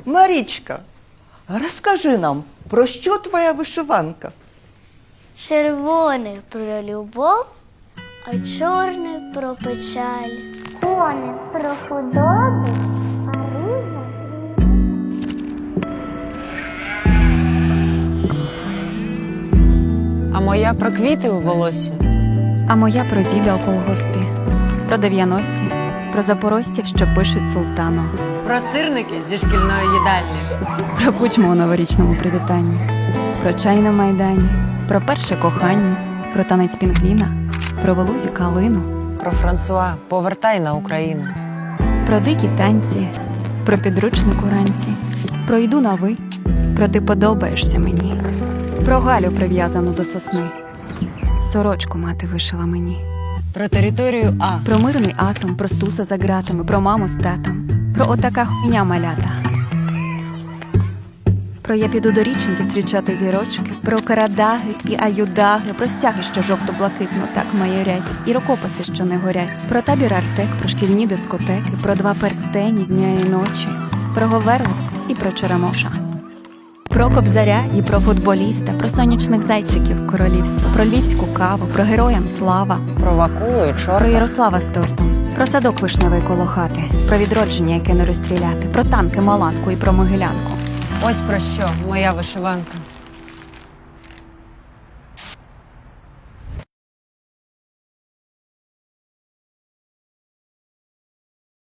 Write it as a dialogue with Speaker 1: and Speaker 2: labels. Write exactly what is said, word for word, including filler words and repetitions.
Speaker 1: Марічка, розкажи нам, про що твоя вишиванка?
Speaker 2: Червоне про любов, а чорне про печаль. Кони про худобу, а риза
Speaker 3: А моя про квіти у волоссі.
Speaker 4: А моя про діда у колгоспі, про дев'яності, про запорожців, що пишуть султану,
Speaker 3: Про сирники зі шкільної їдальні.
Speaker 4: про кучму у новорічному привітанні, про чай на майдані, про перше кохання, про танець пінгвіна, про Велузі калину,
Speaker 3: Про Франсуа «Повертай на Україну».
Speaker 4: про дикі танці, про підручник уранці, про йду на ви, про ти подобаєшся мені, про Галю прив'язану до сосни, сорочку мати вишила мені.
Speaker 3: Про територію А.
Speaker 4: Про мирний атом, про стуса за ґратами, про маму з татом, про отака хуйня малята. Про я піду до річеньки зустрічати зірочки, про карадаги і аюдаги, про стяги, що жовто-блакитно так майорять, і рукописи, що не горять, про табір Артек, про шкільні дискотеки, про два перстені дня і ночі, про Говерло і про Черемоша. Про Кобзаря і про футболіста, про сонячних зайчиків королівства, про львівську каву, про героям слава,
Speaker 3: Про Вакулу і
Speaker 4: про
Speaker 3: чорта.
Speaker 4: Ярослава з тортом, про садок вишневий коло хати, про відродження, яке не розстріляти, про танки, маланку і про могилянку.
Speaker 3: Ось про що моя вишиванка.